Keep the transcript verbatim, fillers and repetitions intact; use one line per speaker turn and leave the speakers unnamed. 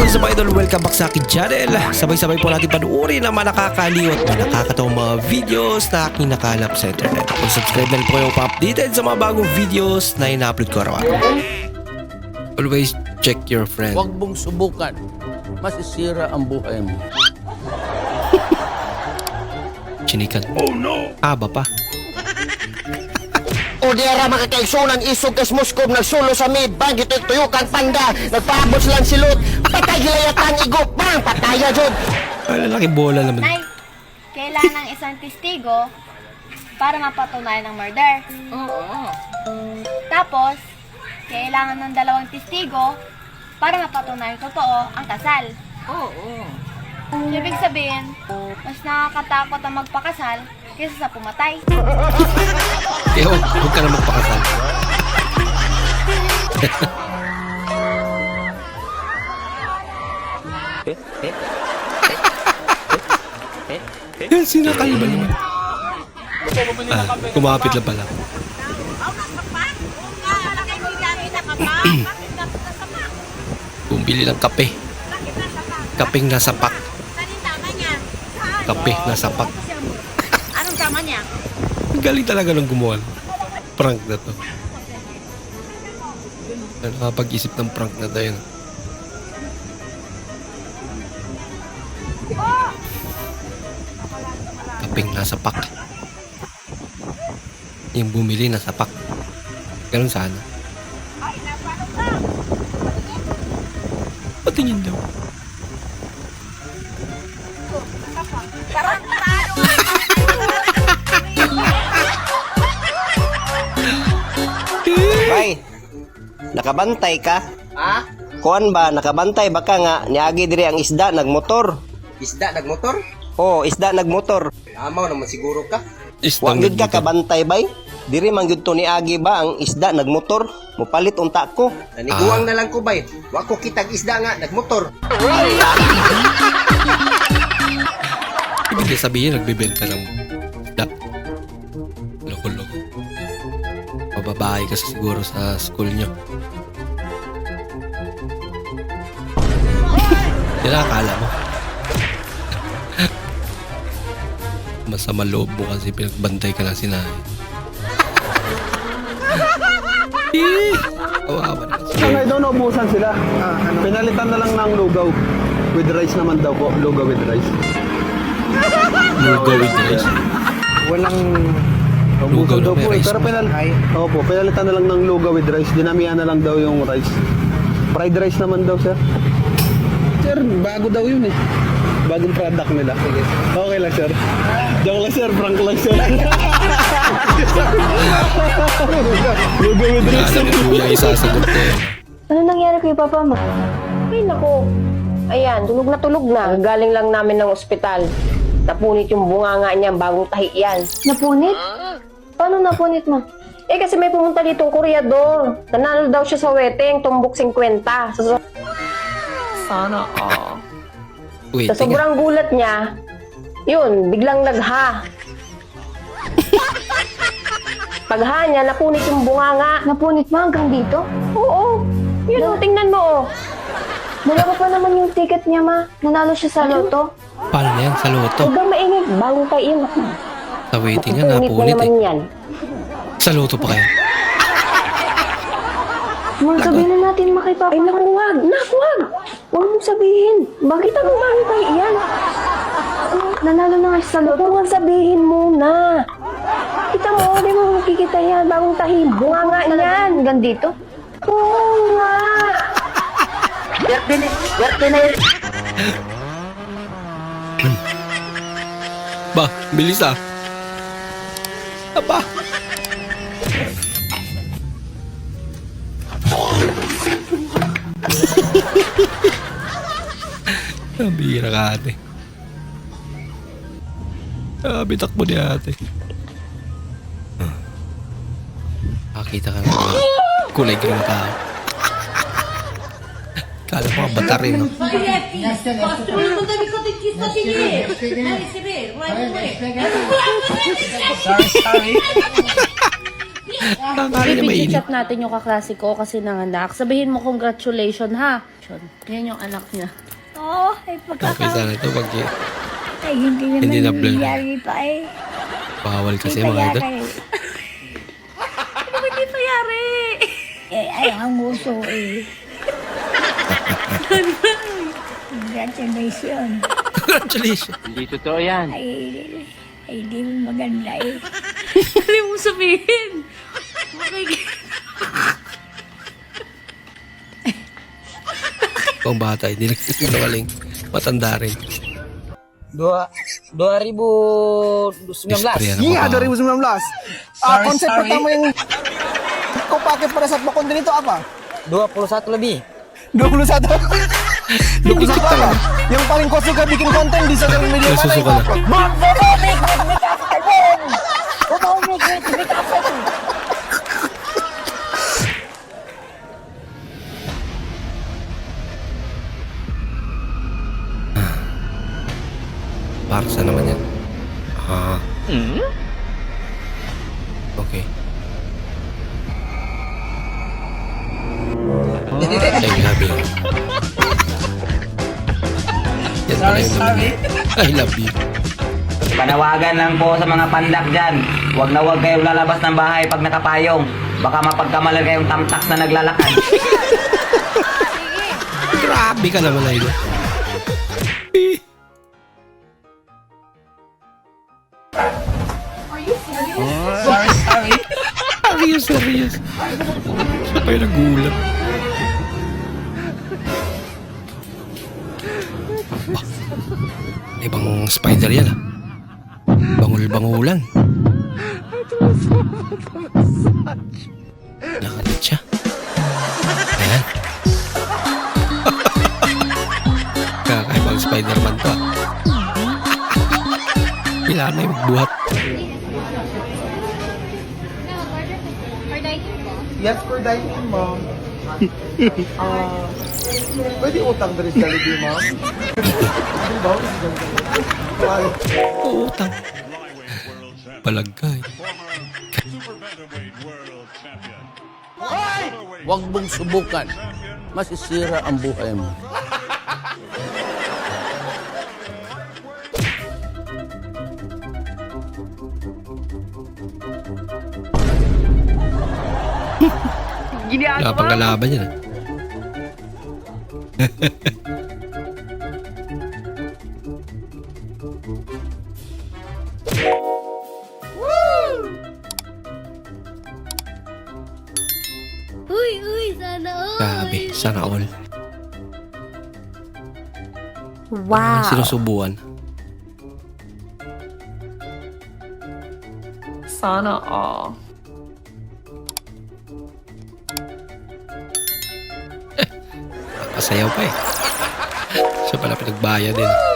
is up, idol? Welcome back sa akin channel. Sabay-sabay po natin panuorin ang mga nakakaliw at mga nakakatawang mga videos na aking nakalap sa internet. Kung subscribe na rin po kayo pa-updated sa mga bagong videos na ina-upload ko araw-araw. Always check your friend.
Huwag mong subukan. Masisira ang buhay mo.
Chinikan. Oh no! Aba pa.
O diara makakaigsunan isog kas Moscow nagsulo sa may bang ito tuyukan panda nagpaabot lang silot patay gilayatan igop bang pataya jud.
Ay, lalaki bola naman.
Nay, kailangan ng isang testigo para mapatunayan ang murder.
Oo.
Tapos, kailangan ng dalawang testigo para mapatunayan totoo ang kasal.
Oo.
Ibig sabihin, mas nakakatakot ang magpakasal kaysa sa pumatay.
Eh, huwag, huwag ka na magpakasal. Sinakal ba naman? Ah, kumapit lang pala. Bumili ng kape. Kapeng nasa pak. Kape nasa pak.
Anong tama niya?
Ang galing talaga ng gumawa. Prank na to. Nakapag-isip ng prank na tayo. Kapeng nasa pak. Yung bumili nasa pak. Ganun sana. Patingin daw.
Bay, nakabantay ka?
Ha?
Kuan ba nakabantay baka nga niagi diri ang isda nagmotor?
Isda nagmotor?
Oh, isda nagmotor.
Amaw naman siguro ka.
Wa gyud ka kabantay bay? Diri man gyud to niagi ba ang isda nagmotor? Mupalit unta ko.
Naniguang na lang ko bay. Wa ko kitag isda nga nagmotor.
Ibig sabihin, nagbibenta ng isda. Loko-loko. Mababae kasi siguro sa school nyo. Yan ang akala mo. Masama loob mo kasi pinagbantay ka lang si nanay. Eh, kawawa na kasi.
Sangay daw naubusan sila. Pinalitan na lang ng lugaw. With rice naman daw po. Lugaw with rice.
Lugaw with rice.
Walang
Lugaw
naubusan daw
na may
po eh.
rice
Pero
pa.
pinal Opo, pinalitan na lang ng lugaw with rice. Dinamihan na lang daw yung rice. Fried rice naman daw, sir. Sir, bago daw yun eh. Bagong product nila. Sige. Okay lang, sir. Joke lang, sir. Prank lang, sir. Lugaw with rice.
Alam mo yung isasagot ko eh.
Ano nangyari kay papa mo? Ay, naku. Ayan, tulog na tulog na. Galing lang namin ng ospital. Napunit yung bunganga niya, bagong tahi yan.
Napunit?
Paano napunit mo? Eh, kasi may pumunta ditong kuryador. Nanalo daw siya sa wedding, tumbok fifty. Sa, so-
Sana all.
Wait,
sa sobrang gulat niya, yun, biglang nagha. Pagha niya, napunit yung bunganga.
Napunit mo hanggang dito?
Oo, yun, oh, tingnan mo, oh.
Dalawa pa naman yung ticket niya, ma. Nanalo siya sa loto.
Paano na yan? Sa loto?
Huwag kang maingay, bagong tahi yun.
Sa waiting nga,
Napunit na
napunit
naman
eh.
yan.
Sa loto pa kaya?
Ma, sabihin na natin ma kay papa.
Ay, naku, wag. Naku, wag. Huwag mong sabihin. Bakit ako bagong tahi yan?
Nanalo na nga siya sa loto.
Huwag mong sabihin muna. Kita mo, di mo makikita yan. Bagong tahi. Bunga nga yan.
Hanggang dito?
Oo nga.
Werte na, werte na yun.
Ba, bilis ah. Aba. Nabihira ka ate. Ah, bitak mo ni ate. Nakakita ka na kulay green ka. Kala mo ka bata rin, no? Akala niya mainit.
Chat natin yung kaklase ko kasi nanganak. Sabihin mo congratulations ha. Yan yung anak niya.
Oo, ay
Okay,
pagkaka...
sana ito pag
Ay, hindi naman
Hindi na blur.
nangyayari pa eh.
bawal kasi
Hindi
mga idol.
payari.
Ano ba hindi nangyari?
Eh, ay, ang uso eh. Congratulations.
Congratulations.
Hindi totoo yan.
Ay, ay, di mo maganda eh.
Ano mo sabihin? Okay.
Kung bata, hindi nagsisinungaling. Matanda rin.
Dua, dua ribu sembilan belas.
Istorya ng
Iya,
mga-
dua ribu sembilan belas. Ah, konsep pertama yang kau pakai pada saat mau konten itu apa?
dua puluh satu lebih.
dua puluh satu.
Lukit
Itu
talaga.
apa? Yang paling kau suka bikin konten di sosial media mana
Nasusuka
itu
na.
apa?
Parsa naman yan. Ah. Okay. Ay, grabe. Yan pala yung naman niya. I love you.
Panawagan lang po sa mga pandak dyan. Huwag na huwag kayong lalabas ng bahay pag nakapayong. Baka mapagkamalan kayong tamtak na naglalakad.
Grabe ka naman, idol. Serious, serious. Siya pa yung nagulat. Ah, ibang spider yan ah. Bangul-bangulan. Nakatid siya. Ayan. Kakaibang Spider-Man to ah. Kailangan na yung buhat.
Yes, for dining, ma'am. Ah, pwede utang dari sa Jollibee, ma'am? Di ba?
Utang. Palagkay.
Huwag mong subukan. Masisira ang buhay mo.
Wala pang kalaban yan ah.
Uy, uy, sana all.
Grabe, sana all.
Wow.
Sinusubuan.
Sana all.
Pasayaw pa eh. Siya pala pinagbayad din.